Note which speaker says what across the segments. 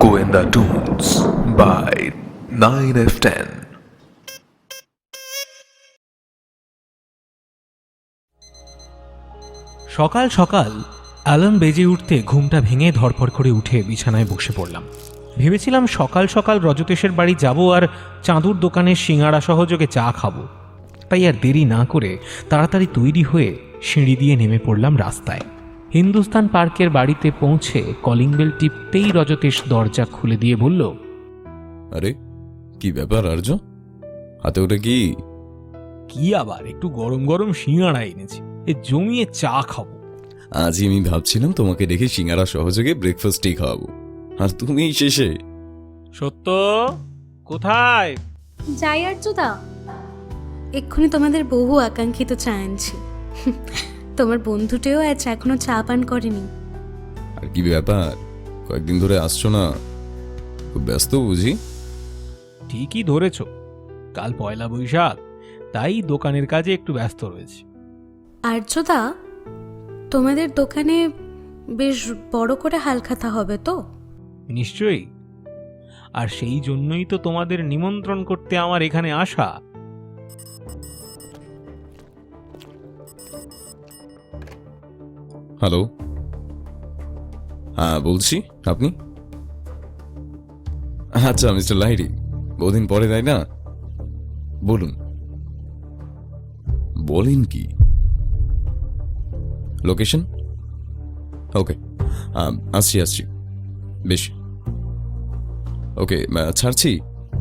Speaker 1: Goenda Tunes by 9F10.
Speaker 2: সকাল সকাল alarm বেজে উঠতে ঘুমটা ভেঙে ধরফর করে উঠে বিছানায় বসে পড়লাম। ভেবেছিলাম সকাল সকাল রজতেশের বাড়ি যাব আর চাঁদুর দোকানের সিঙাড়া সহযোগে চা খাবো। তাই আর দেরি না করে তাড়াতাড়ি তৈরি হয়ে সিঁড়ি দিয়ে নেমে পড়লাম রাস্তায়। হিন্দুস্তান পার্কের বাড়িতে পৌঁছে কলিং বেল টিপতেই রজতেশ দরজা খুলে দিয়ে বলল,
Speaker 3: আরে কি ব্যাপার আর্য, হাতে ওটা কি?
Speaker 2: কি আবার, একটু গরম গরম সিঙাড়া এনেছি, এ জমিয়ে চা খাবো।
Speaker 3: আজই আমি ভাবছিলাম তোমাকে দেখে সিঙ্গারা সহযোগে ব্রেকফাস্টই খাওয়াবো, আর তুমি শেষে।
Speaker 2: সত্য কোথায়?
Speaker 4: যাই আর্যদা, এক্ষুনি তোমাদের বহু আকাঙ্ক্ষিত চা আনছি। তোমার বন্ধুটেও আজ এখনো চা পান করেনি।
Speaker 3: আর কি ব্যাপার, কয়েকদিন ধরে আসছো না? খুব ব্যস্ত বুঝি?
Speaker 2: ঠিকই ধরেছ, কাল পয়লা বৈশাখ, তাই দোকানের কাজে একটু ব্যস্ত রয়েছে।
Speaker 4: আর্যদা, তোমাদের দোকানে বেশ বড় করে হালখাতা হবে তো?
Speaker 2: নিশ্চয়ই, আর সেই জন্যই তো তোমাদের নিমন্ত্রণ করতে আমার এখানে আসা।
Speaker 3: হ্যালো, হ্যাঁ বলছি, আপনি? আচ্ছা মিস্টার লাহিড়ী, বহুদিন পরে তাই না? বলুন, বলেন কি? লোকেশন? ওকে, আসছি বেশ, ওকে ছাড়ছি।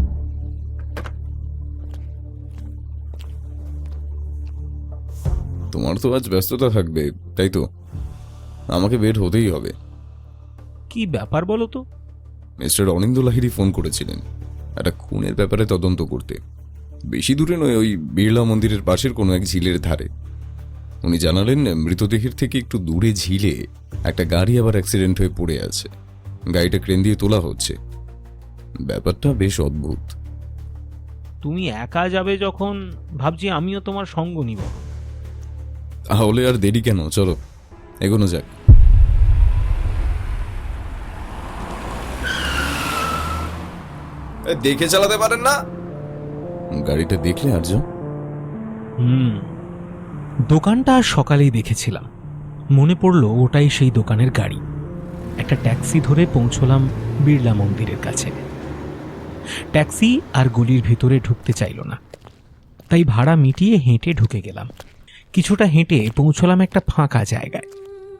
Speaker 3: তোমার তো আজ ব্যস্ততা থাকবে, তাই তো? আমাকে বের হতেই হবে।
Speaker 2: কি ব্যাপার বলো তো?
Speaker 3: মিস্টার অনিন্দ লাহিড়ী ফোন করেছিলেন একটা খুনের ব্যাপারে তদন্ত করতে। বেশি দূরে নয়, ওই বিড়লা মন্দিরের পাশের কোনো এক ঝিলের ধারে। উনি জানালেন মৃতদেহের থেকে একটু দূরে ঝিলে একটা গাড়ি আবার অ্যাক্সিডেন্ট হয়ে পড়ে আছে। গাড়িটা ক্রেন দিয়ে তোলা হচ্ছে। ব্যাপারটা বেশ অদ্ভুত।
Speaker 2: তুমি একা যাবে যখন, ভাবছি আমিও তোমার সঙ্গ নিব।
Speaker 3: তাহলে আর দেরি কেন, চলো এগোনো যাক। দেখে চালাতে পারেন না? গাড়িটা দেখলে আর্য?
Speaker 2: দোকানটা সকালেই দেখেছিলাম, মনে পড়লো ওটাই সেই দোকানের গাড়ি। একটা ট্যাক্সি ধরে পৌঁছলাম বিড়লা মন্দিরের কাছে। ট্যাক্সি আর গলির ভিতরে ঢুকতে চাইল না, তাই ভাড়া মিটিয়ে হেঁটে ঢুকে গেলাম। কিছুটা হেঁটে পৌঁছলাম একটা ফাঁকা জায়গায়।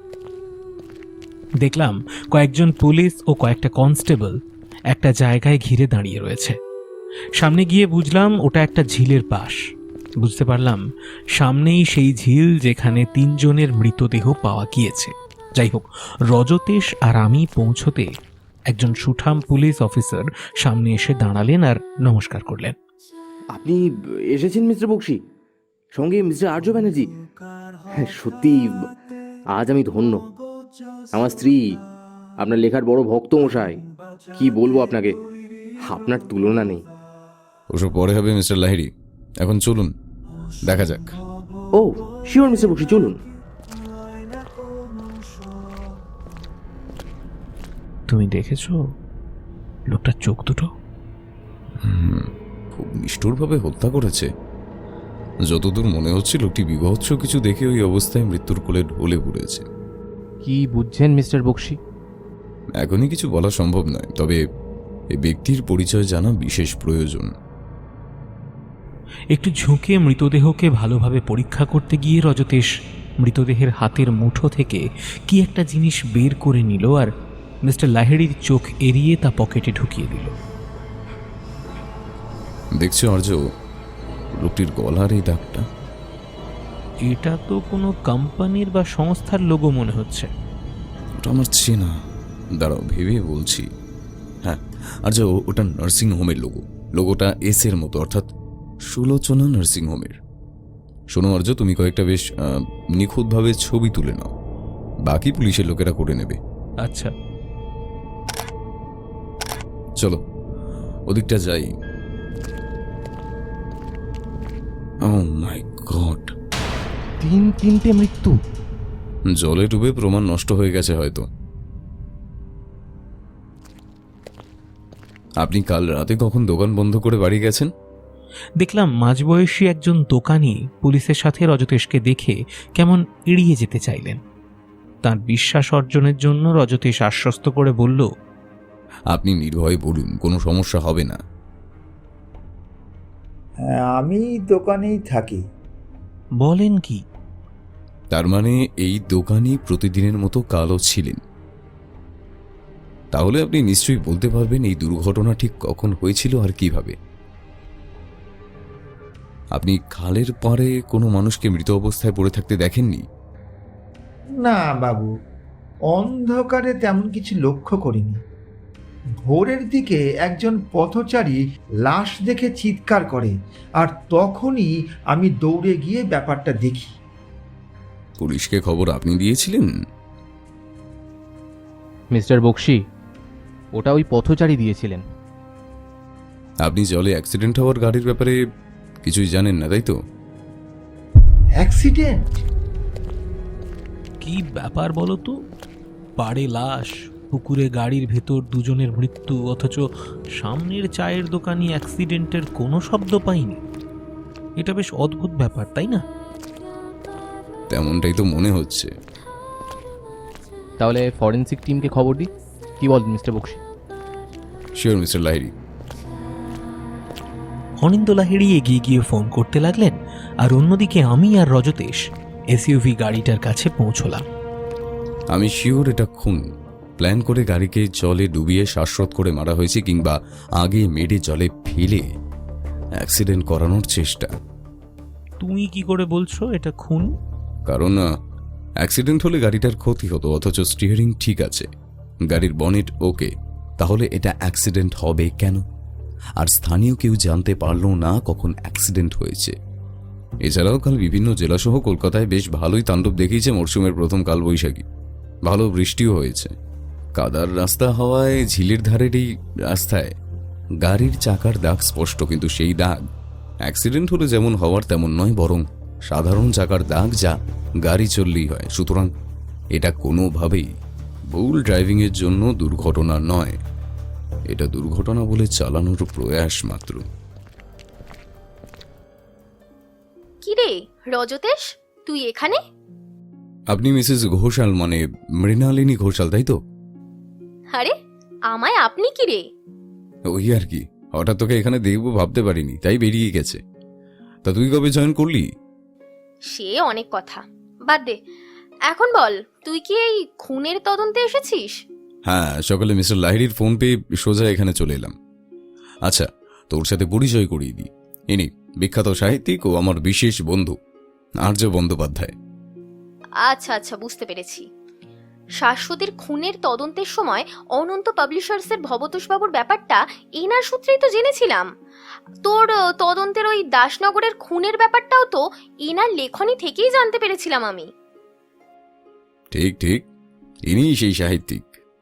Speaker 2: দেখলাম কয়েকজন পুলিশ ও কয়েকটা কনস্টেবল একটা জায়গায় ঘিরে দাঁড়িয়ে রয়েছে। সামনে গিয়ে বুঝলাম ওটা একটা ঝিলের পাশ। বুঝতে পারলাম সামনেই সেই ঝিল যেখানে 3 জনের মৃতদেহ পাওয়া গিয়েছে। যাই হোক, রজতেশ আর আমি পৌঁছতে একজন সুঠাম পুলিশ অফিসার সামনে এসে দাঁড়ালেন আর নমস্কার করলেন।
Speaker 5: আপনি এসেছেন মিস্টার বক্সি, সঙ্গে মিস্টার আর্য ব্যানার্জি। হ্যাঁ, সত্যি আজ আমি ধন্য। আমার স্ত্রী আপনার লেখার বড় ভক্ত মশাই। কি বলবো আপনাকে, আপনার তুলনা নেই।
Speaker 3: ওসব পরে হবে মিস্টার লাহিড়ী, এখন চলুন দেখা যাক।
Speaker 5: ও শিওর মিস্টার বক্সি, চলুন।
Speaker 2: তুমি দেখেছো লোকটার চোখ দুটো?
Speaker 3: খুব নিষ্ঠুরভাবে হত্যা করেছে। যতদূর মনে হচ্ছে লোকটি বিভৎস কিছু দেখে ওই অবস্থায় মৃত্যুর কোলে ঢলে পড়েছে।
Speaker 5: কি বুঝছেন মিস্টার বক্সি?
Speaker 3: এখনই কিছু বলা সম্ভব নয়, তবে এই ব্যক্তির পরিচয় জানা বিশেষ প্রয়োজন।
Speaker 2: একটু ঝুঁকে মৃতদেহকে ভালোভাবে পরীক্ষা করতে গিয়ে রজতেশ মৃতদেহের হাতের মুঠো থেকে কি একটা জিনিস বের করে নিল আর মিস্টার লাহিড়ীর চোখ এড়িয়ে তা পকেটে ঢুকিয়ে দিল।
Speaker 3: দেখছো আর্য, লোকটির গলার এই দাগটা?
Speaker 2: এটা তো কোনো কোম্পানির বা সংস্থার লোগো মনে হচ্ছে।
Speaker 3: ওটা আমার চেনা, দাঁড়াও ভেবে বলছি। হ্যাঁ আর্য, ওটা নার্সিং হোমের লোগো। লোগোটা এস এর মতো, অর্থাৎ সুলোচনা নার্সিং হোমের। শোনো আর্য, তুমি কয়েকটা বেশ নিখুঁতভাবে ছবি তুলে নাও, বাকি পুলিশের লোকেরা করে নেবে।
Speaker 2: আচ্ছা
Speaker 3: চলো ওদিকটা যাই। ও মাই গড,
Speaker 5: 3 মৃত্যু!
Speaker 3: জলে ডুবে প্রমাণ নষ্ট হয়ে গেছে হয়তো। আপনি কাল রাতে কখন দোকান বন্ধ করে বাড়ি গেছেন?
Speaker 2: দেখলাম মাঝবয়সী একজন দোকানি পুলিশের সাথে রজতেশকে দেখে কেমন এড়িয়ে যেতে চাইলেন। তার বিশ্বাস অর্জনের জন্য রজতেশ আশ্বস্ত করে বলল,
Speaker 3: আপনি নির্ভয়ে বলুন, কোনো সমস্যা হবে না।
Speaker 6: হ্যাঁ, আমি দোকানেই থাকি।
Speaker 2: বলেন কি?
Speaker 3: তার মানে এই দোকানই প্রতিদিনের মতো কালও ছিলেন। তাহলে আপনি নিশ্চয়ই বলতে পারবেন এই দুর্ঘটনা ঠিক কখন হয়েছিল আর কিভাবে। আপনি খালের পাড়ে কোনো মানুষকে মৃত অবস্থায় পড়ে থাকতে দেখেননি?
Speaker 6: না বাবু, অন্ধকারে তেমন কিছু লক্ষ্য করিনি। ভোরের দিকে একজন পথচারী লাশ দেখে চিৎকার করে, আর তখনই আমি দৌড়ে গিয়ে ব্যাপারটা দেখি।
Speaker 3: পুলিশকে খবর আপনি দিয়েছিলেন?
Speaker 7: মিস্টার বক্সি, ওটা ওই পথচারী দিয়েছিলেন।
Speaker 3: আপনি জলে অ্যাক্সিডেন্ট হওয়ার গাড়ির ব্যাপারে কিছুই জানেন না, তাই তো?
Speaker 6: অ্যাক্সিডেন্ট?
Speaker 2: কি ব্যাপার বলো তো? পাড়ে লাশ, পুকুরে গাড়ির ভেতর দুজনের মৃত্যু, অথচ সামনের চায়ের দোকানি অ্যাক্সিডেন্টের কোনো শব্দ পাইনি। এটা বেশ অদ্ভুত ব্যাপার, তাই না?
Speaker 3: তেমনটাই তো মনে হচ্ছে।
Speaker 7: তাহলে ফরেন্সিক টিমকে খবর দিই, কি বলেন mister Bakshi?
Speaker 3: Sure mister Lahiri.
Speaker 2: Anindo Lahiri এগিয়ে গিয়ে ফোন করতে লাগলেন, আর অন্যদিকে আমি আর রজতেশ এসইউভি গাড়িটার কাছে পৌঁছলাম।
Speaker 3: আমি শিওর এটা খুন। প্ল্যান করে গাড়িকে জলে ডুবিয়ে শ্বাসরোধ করে মারা হয়েছে, কিংবা আগে মেরে জলে ফেলে অ্যাক্সিডেন্ট করানোর চেষ্টা।
Speaker 2: তুমি কি করে বলছো এটা খুন?
Speaker 3: কারণ অ্যাক্সিডেন্ট হলে গাড়িটার ক্ষতি হতো, অথচ স্টিয়ারিং ঠিক আছে, গাড়ির বনেট ওকে। তাহলে এটা অ্যাক্সিডেন্ট হবে কেন? আর স্থানীয় কেউ জানতে পারলো না কখন অ্যাক্সিডেন্ট হয়েছে। এছাড়াও কাল বিভিন্ন জেলাসহ কলকাতায় বেশ ভালোই তাণ্ডব দেখিয়েছে মরশুমের প্রথম কালবৈশাখী। ভালো বৃষ্টিও হয়েছে। কাদার রাস্তা হওয়ায় ঝিলের ধারের এই রাস্তায় গাড়ির চাকার দাগ স্পষ্ট, কিন্তু সেই দাগ অ্যাক্সিডেন্ট হলে যেমন হওয়ার তেমন নয়, বরং সাধারণ চাকার দাগ, যা গাড়ি চললেই হয়। সুতরাং এটা কোনোভাবেই ভুল ড্রাইভিংয়ের জন্য দুর্ঘটনা নয়, এটা দুর্ঘটনা বলে চালানোর প্রয়াস মাত্র।
Speaker 8: কিরে রজতেশ, তুই এখানে?
Speaker 3: আপনি মিসেস ঘোষাল, মানে মৃণালিনী ঘোষাল, তাই তো?
Speaker 8: আরে আমায় আপনি কিরে?
Speaker 3: ওই আর কি, হঠাৎ তোকে এখানে দেখবো ভাবতে পারিনি, তাই বেরিয়ে গেছে। তা তুই কবে জয়েন করলি?
Speaker 8: সে অনেক কথা, বাদ দে। এখন বল, তুই কি এই খুনের তদন্তে এসেছিস?
Speaker 3: হ্যাঁ, সকালে মিস্টার লাহিড়ীর ফোন পেয়ে সোজা এখানে চলে এলাম। আচ্ছা, তোর সাথে পরিচয় করিয়ে দিই। ইনি বিখ্যাত সাহিত্যিক ও আমার বিশেষ বন্ধু আর্য বন্দ্যোপাধ্যায়।
Speaker 8: আচ্ছা আচ্ছা, বুঝতে পেরেছি। শাশ্বতীর খুনের তদন্তের সময় অনন্ত পাবলিশার্সের ভবতোষবাবুর ব্যাপারটা এনার সূত্রেই তো জেনেছিলাম। তোর তদন্তের ওই দাসনগরের খুনের ব্যাপারটাও তো এনার লেখনী থেকেই জানতে পেরেছিলাম আমি।
Speaker 3: ঠিক ঠিক, ইনিই সেই সাহিত্যিক।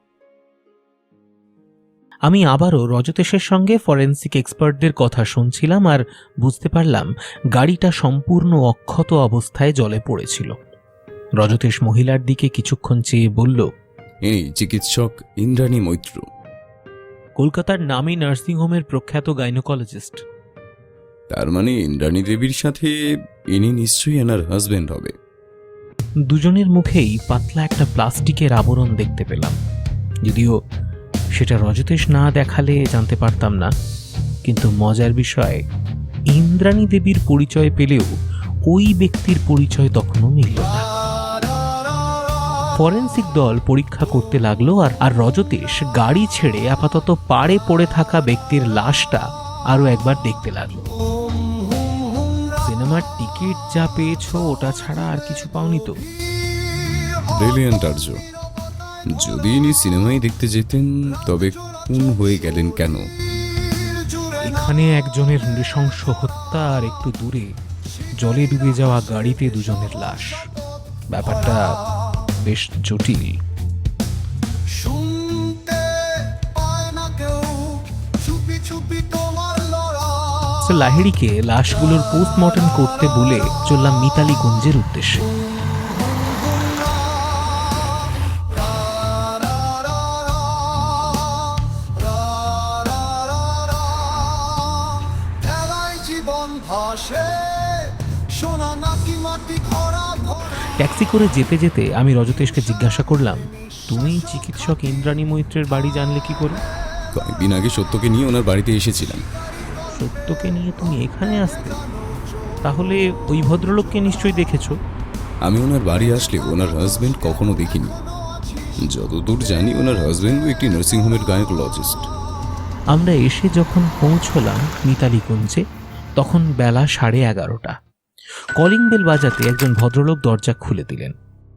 Speaker 2: আমি আবারও রজতেশের সঙ্গে ফরেন্সিক এক্সপার্টদের কথা শুনছিলাম, আর বুঝতে পারলাম গাড়িটা সম্পূর্ণ অক্ষত অবস্থায় জলে পড়েছিল। রজতেশ মহিলার দিকে কিছুক্ষণ চেয়ে বলল,
Speaker 3: ইনি চিকিৎসক ইন্দ্রাণী মৈত্র।
Speaker 2: কলকাতার নামী নার্সিংহোমের প্রখ্যাত গাইনোকোলজিস্ট।
Speaker 3: তার মানে ইন্দ্রাণী দেবীর সাথে ইনি নিশ্চয়ই এনার হাজবেন্ড হবে।
Speaker 2: দুজনের মুখেই পাতলা একটা প্লাস্টিকের আবরণ দেখতে পেলাম, যদিও সেটা রজতেশ না দেখালে জানতে পারতাম না। কিন্তু মজার বিষয়, ইন্দ্রাণী দেবীর পরিচয় পেলেও ওই ব্যক্তির পরিচয় তখনও মিলল না। ফরেন্সিক দল পরীক্ষা করতে লাগলো, আর রজতেশ গাড়ি ছেড়ে আপাতত পাড়ে পড়ে থাকা ব্যক্তির লাশটা আরো একবার দেখতে লাগলো। সিনেমার টিকিট যা পেয়েছো ওটা ছাড়া আর কিছু পাওনি তো?
Speaker 3: ব্রিলিয়ান্ট আর্য। যদি ইনি সিনেমায় দেখতে যেতেন, তবে খুন হয়ে গেলেন কেন?
Speaker 2: এখানে একজনের নৃশংস হত্যা, আর একটু দূরে জলে ডুবে যাওয়া গাড়িতে দুজনের লাশ। ব্যাপারটা বেশ জটিল। লাহিড়ীকে লাশগুলোর পোস্টমর্টম করতে বলে চললাম মিতালিগঞ্জের উদ্দেশ্যে। ট্যাক্সি করে যেতে যেতে আমি রজতেশকে জিজ্ঞাসা করলাম, তুমি চিকিৎসক ইন্দ্রাণী মৈত্রের বাড়ি জানলে কি করে?
Speaker 3: কয়েকদিন আগে সত্যকে নিয়ে ওনার বাড়িতে এসেছিলাম।
Speaker 2: সত্যকে নিয়ে তুমি এখানে আসতে? তাহলে ওই ভদ্রলোককে নিশ্চয়ই দেখেছো।
Speaker 3: আমি ওনার বাড়ি আসলে ওনার হাজবেন্ড কখনো দেখিনি। যতদূর জানি ওনার হাজবেন্ডও একটি নার্সিংহোমের গাইনোকোলজিস্ট।
Speaker 2: আমরা এসে যখন পৌঁছলাম মিতালিকুঞ্জে, তখন বেলা 11:30। কলিং বেল বাজাতে একজন ভদ্রলোক দরজা খুলে দিলেন।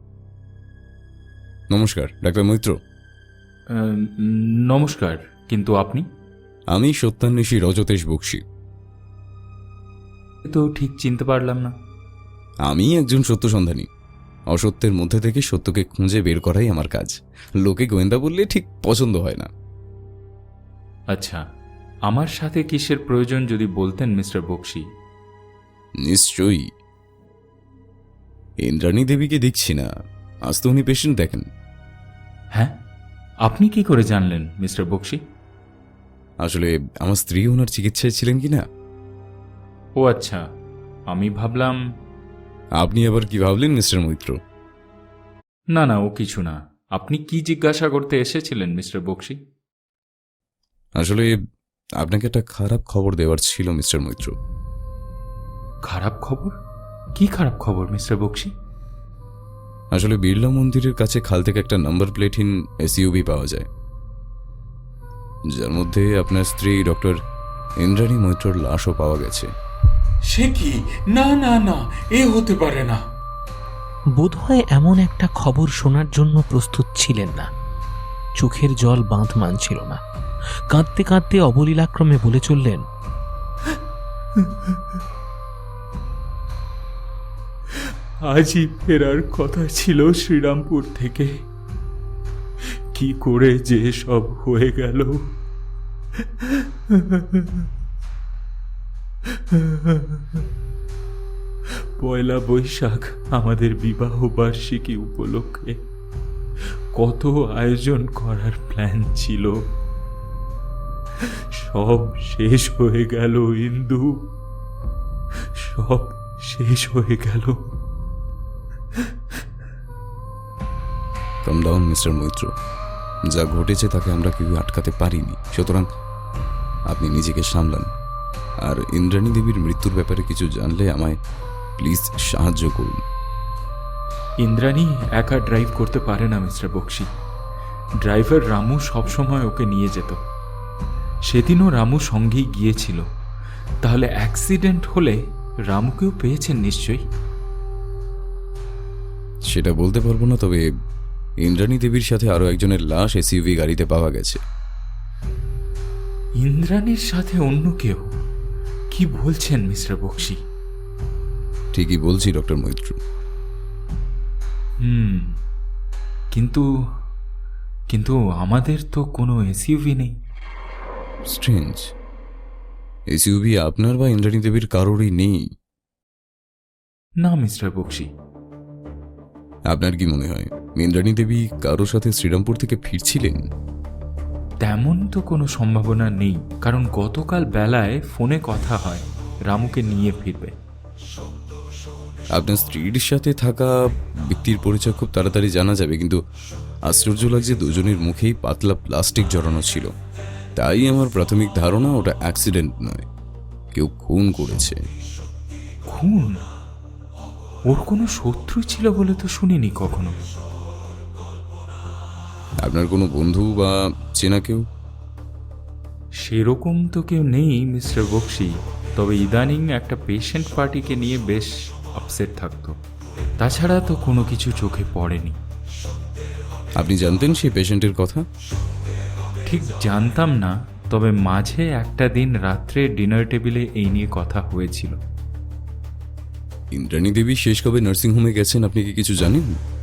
Speaker 3: নমস্কার, ডাক্তার মৈত্র।
Speaker 9: নমস্কার, কিন্তু আপনি?
Speaker 3: আমি সত্যান্বেষী রজতেশ বক্সী।
Speaker 9: তো ঠিক চিনতে পারলাম না।
Speaker 3: আমি একজন সত্য সন্ধানী। অসত্যের মধ্যে থেকে সত্যকে খুঁজে বের করাই আমার কাজ। লোকে গোয়েন্দা বললে ঠিক পছন্দ হয় না।
Speaker 9: আচ্ছা, আমার সাথে কিসের প্রয়োজন যদি বলতেন মিস্টার বক্সী?
Speaker 3: নিশ্চয়ই। ইন্দ্রাণী দেবীকে দেখছি না, আজ তো উনি পেশেন্ট দেখেন।
Speaker 9: হ্যাঁ, আপনি কি করে জানলেন মিস্টার বক্সী?
Speaker 3: আসলে আমার স্ত্রী ওনার চিকিৎসায় ছিলেন কিনা।
Speaker 9: ও আচ্ছা, আমি ভাবলাম।
Speaker 3: আপনি আবার কি ভাবলেন মিস্টার মৈত্র?
Speaker 9: না না, ও কিছু না। আপনি কি জিজ্ঞাসা করতে এসেছিলেন মিস্টার বক্সী?
Speaker 3: আসলে আপনাকে একটা খারাপ খবর দেওয়ার ছিল মিস্টার মৈত্র।
Speaker 9: খারাপ খবর? কি খারাপ খবর মিস্টার বক্সী?
Speaker 3: আসলে বিড়লা মন্দিরের কাছে খাল থেকে একটা নাম্বার প্লেটহীন এসইউভি পাওয়া যায়, যার মধ্যে আপনার স্ত্রী ডক্টর ইন্দ্রাণী মৈত্রর লাশও পাওয়া গেছে।
Speaker 9: সে কি? না না না, এ হতে পারে না।
Speaker 2: বোধহয় এমন একটা খবর শোনার জন্য প্রস্তুত ছিলেন না। চোখের জল বাঁধ মানছিল না। কাঁদতে কাঁদতে অবলীলাক্রমে বলে চললেন,
Speaker 9: আজই ফেরার কথা ছিল শ্রীরামপুর থেকে। কি করে যে সব হয়ে গেল। পয়লা বৈশাখ আমাদের বিবাহ বার্ষিকী উপলক্ষে কত আয়োজন করার প্ল্যান ছিল, সব শেষ হয়ে গেল ইন্দু, সব শেষ হয়ে গেল।
Speaker 3: Come down mister Maitra. যা ঘটেছে তাকে আমরা কেউ আটকাতে পারিনি, সুতরাং আপনি নিজেকে সামলান। আর ইন্দ্রাণী দেবীর মৃত্যুর ব্যাপারে কিছু জানলে আমায় প্লিজ সাহায্য করুন।
Speaker 9: ইন্দ্রাণী একা ড্রাইভ করতে পারে না মিস্টার বক্সী। ড্রাইভার রামু সবসময় ওকে নিয়ে যেত। সেদিনও রামু সঙ্গেই গিয়েছিল। তাহলে অ্যাক্সিডেন্ট হলে রামুকেও পেয়েছেন নিশ্চয়ই।
Speaker 3: সেটা বলতে পারবো না, তবে ইন্দ্রাণী দেবীর সাথে আরো একজনের লাশ এসইউভি গাড়িতে পাওয়া গেছে।
Speaker 9: ইন্দ্রাণীর সাথে অন্য কেউ? কি বলছেন মিস্টার বক্সী?
Speaker 3: ঠিকই বলছি ডক্টর মৈত্র।
Speaker 9: কিন্তু কিন্তু আমাদের তো কোনো এসইউভি নেই।
Speaker 3: স্ট্রেঞ্জ, এসইউভি আপনার বা ইন্দ্রাণী দেবীর কারোরই নেই।
Speaker 9: না মিস্টার বক্সী।
Speaker 3: আপনার কি মনে হয় ইন্দ্রাণী দেবী কারোর সাথে শ্রীরামপুর থেকে ফিরছিলেন?
Speaker 9: তেমন তো কোনো সম্ভাবনা নেই, কারণ গতকাল বেলায় ফোনে কথা হয় রামুকে নিয়ে ফিরবে।
Speaker 3: আপনার স্ত্রীর সাথে থাকা ব্যক্তির পরিচয় খুব তাড়াতাড়ি জানা যাবে, কিন্তু আশ্চর্য লাগছে দুজনের মুখেই পাতলা প্লাস্টিক জড়ানো ছিল। তাই আমার প্রাথমিক ধারণা ওটা অ্যাক্সিডেন্ট নয়, কেউ খুন করেছে।
Speaker 9: খুন? ওর কোনো শত্রু ছিল বলে তো শুনিনি কখনো।
Speaker 3: আপনার কোনো বন্ধু বা চেনা কেউ?
Speaker 9: সেরকম তো কেউ নেই মিস্টার বক্সী, তবে ইদানিং একটা পেশেন্ট পার্টিকে নিয়ে বেশ আপসেট থাকতো। তাছাড়া তো কোনো কিছু চোখে পড়েনি।
Speaker 3: আপনি জানতেন সেই পেশেন্টের কথা?
Speaker 9: ঠিক জানতাম না, তবে মাঝে একটা দিন রাত্রে ডিনার টেবিলে এই নিয়ে কথা হয়েছিল।
Speaker 3: ইন্দ্রাণী দেবী শেষ কবে নার্সিংহোমে গেছেন আপনি কি কিছু জানেন?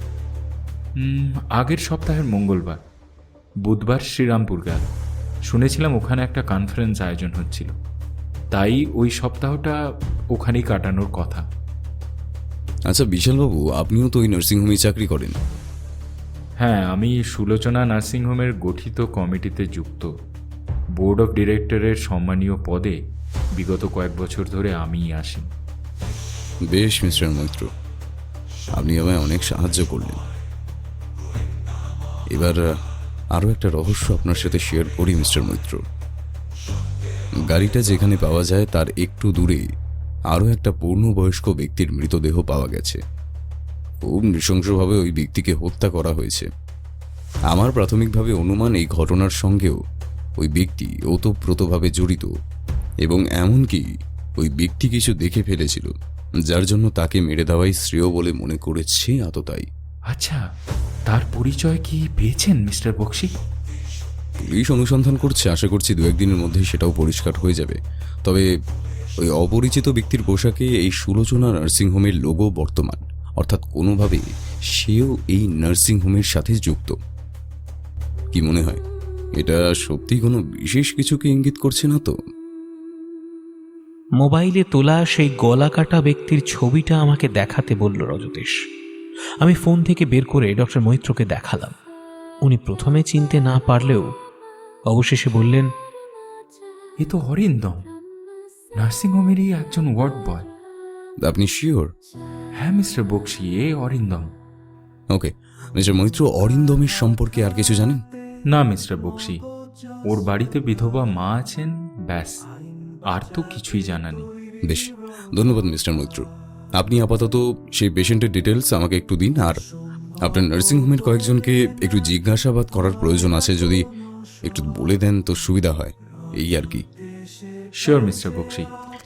Speaker 9: আগের সপ্তাহের মঙ্গলবার। বুধবার শ্রীরামপুর গেল। শুনেছিলাম ওখানে একটা কনফারেন্স আয়োজন হচ্ছিল, তাই ওই সপ্তাহটা ওখানেই কাটানোর কথা।
Speaker 3: আচ্ছা বিশালবাবু, আপনিও তো ওই নার্সিংহোমে চাকরি করেন।
Speaker 9: হ্যাঁ, আমি সুলোচনা নার্সিংহোমের গঠিত কমিটিতে যুক্ত। বোর্ড অফ ডিরেক্টরের সম্মানীয় পদে বিগত কয়েক বছর ধরে আমিই আসি।
Speaker 3: বেশ মিস্টার মৈত্র, আপনি আমায় অনেক সাহায্য করলেন। এবার আরও একটা রহস্য আপনার সাথে শেয়ার করি মিস্টার মৈত্র। গাড়িটা যেখানে পাওয়া যায় তার একটু দূরে আরও একটা পূর্ণবয়স্ক ব্যক্তির মৃতদেহ পাওয়া গেছে। খুব নৃশংসভাবে ওই ব্যক্তিকে হত্যা করা হয়েছে। আমার প্রাথমিকভাবে অনুমান এই ঘটনার সঙ্গেও ওই ব্যক্তি ওতপ্রোতভাবে জড়িত, এবং এমনকি ওই ব্যক্তি কিছু দেখে ফেলেছিল, যার জন্য তাকে মেরে দেওয়াই শ্রেয় বলে মনে করেছে আততাই।
Speaker 9: আচ্ছা, তার পরিচয় কি পেয়েছেন মিস্টার বক্সি?
Speaker 3: পুলিশ অনুসন্ধান করছে, আশা করছি দু একদিনের মধ্যেই সেটাও পরিষ্কার হয়ে যাবে। তবে ওই অপরিচিত ব্যক্তির পোশাকে এই সুলোচনা নার্সিংহোমের লোগো বর্তমান, অর্থাৎ কোনোভাবে সেও এই নার্সিংহোমের সাথে যুক্ত। কি মনে হয়, এটা সত্যি কোনো বিশেষ কিছুকে ইঙ্গিত করছে না তো?
Speaker 2: মোবাইলে তোলা সেই গলা কাটা ব্যক্তির ছবিটা আমাকে দেখাতে বলল রজতেশ। আমি ফোন থেকে বের করে ডক্টর মৈত্রকে দেখালাম। উনি প্রথমে চিনতে না পারলেও অবশেষে বললেন,
Speaker 9: এ তো অরিন্দম, নার্সিংহোমেরই একজন ওয়ার্ড বয়।
Speaker 3: আপনি শিওর?
Speaker 9: হ্যাঁ মিস্টার বক্সি, এ অরিন্দম।
Speaker 3: ওকে, মিস্টার মৈত্র, অরিন্দমের সম্পর্কে আর কিছু জানেন?
Speaker 9: না মিস্টার বক্সি, ওর বাড়িতে বিধবা মা আছেন, ব্যাস, আর তো কিছুই জানা নেই।
Speaker 3: বেশ, ধন্যবাদ মিস্টার মৈত্র। আপনি আপাতত সেই পেশেন্টের ডিটেলস আমাকে একটু দিন, আর আপনার নার্সিংহোমের কয়েকজনকে একটু জিজ্ঞাসাবাদ করার প্রয়োজন আছে, যদি একটু বলে দেন তো সুবিধা হয়, এই আর কি।
Speaker 9: Sure mister Bakshi.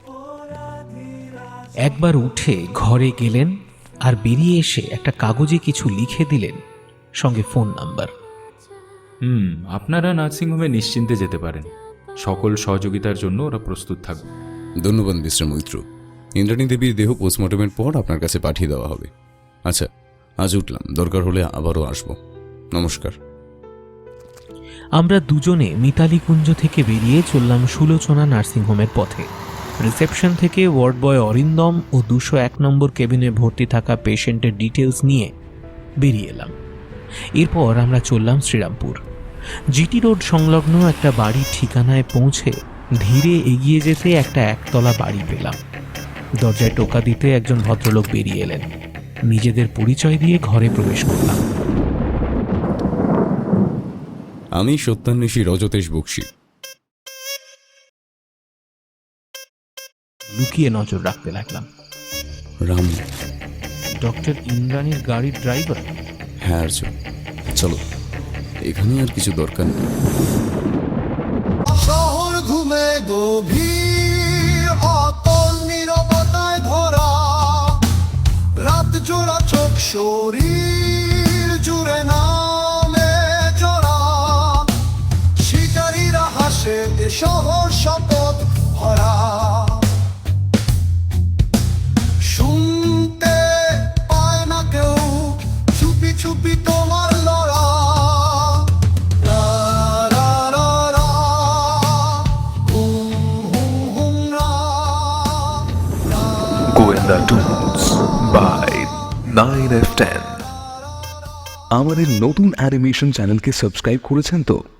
Speaker 2: একবার উঠে ঘরে গেলেন আর বেরিয়ে এসে একটা কাগজে কিছু লিখে দিলেন, সঙ্গে ফোন নাম্বার।
Speaker 9: আপনারা নার্সিংহোমে নিশ্চিন্তে যেতে পারেন, সকল সহযোগিতার জন্য ওরা প্রস্তুত থাকবে।
Speaker 3: ধন্যবাদ মিস্টার মৈত্র। ইন্দ্রাণী দেবীর দেহ পোস্টমর্টমের পর আপনার কাছে পাঠিয়ে দেওয়া হবে। আচ্ছা, আজ উঠলাম, দরকার হলে আবারও আসবো। নমস্কার।
Speaker 2: আমরা দুজনে মিতালি কুঞ্জ থেকে বেরিয়ে চললাম সুলোচনা নার্সিংহোমের পথে। রিসেপশন থেকে ওয়ার্ড বয় অরিন্দম ও 201 নম্বর কেবিনে ভর্তি থাকা পেশেন্টের ডিটেলস নিয়ে বেরিয়ে এলাম। এরপর আমরা চললাম শ্রীরামপুর। জিটি রোড সংলগ্ন একটা বাড়ির ঠিকানায় পৌঁছে ধীরে এগিয়ে যেতে একটা একতলা বাড়ি পেলাম। দরজায় টোকা দিতে একজন ভদ্রলোক বেরিয়ে এলেন। নিজেদের পরিচয় দিয়ে ঘরে প্রবেশ করলাম।
Speaker 3: আমি সত্যান্বেষী রজতেশ বক্সি।
Speaker 2: লুকিয়ে নজর রাখতে লাগলাম।
Speaker 3: রামু?
Speaker 2: ডক্টর ইন্দ্রাণীর গাড়ির ড্রাইভার?
Speaker 3: হ্যাঁ আর্য, চলো, এখানে আর কিছু দরকার নেই।
Speaker 10: শহর ঘুমে গভীর, অতল নীরবতায় ধরা, রাত জোড়া চোখ, শরীর জুড়ে নামে জোড়া, শিকারীরা হাসে, এ শহর শপথ ভরা। শুনতে পায় না কেউ, চুপি চুপি তোমার লড়া।
Speaker 1: গোয়েন্দা টুনস বাই 9F10।
Speaker 11: আমাদের নতুন অ্যানিমেশন চ্যানেলকে সাবস্ক্রাইব করেছেন তো?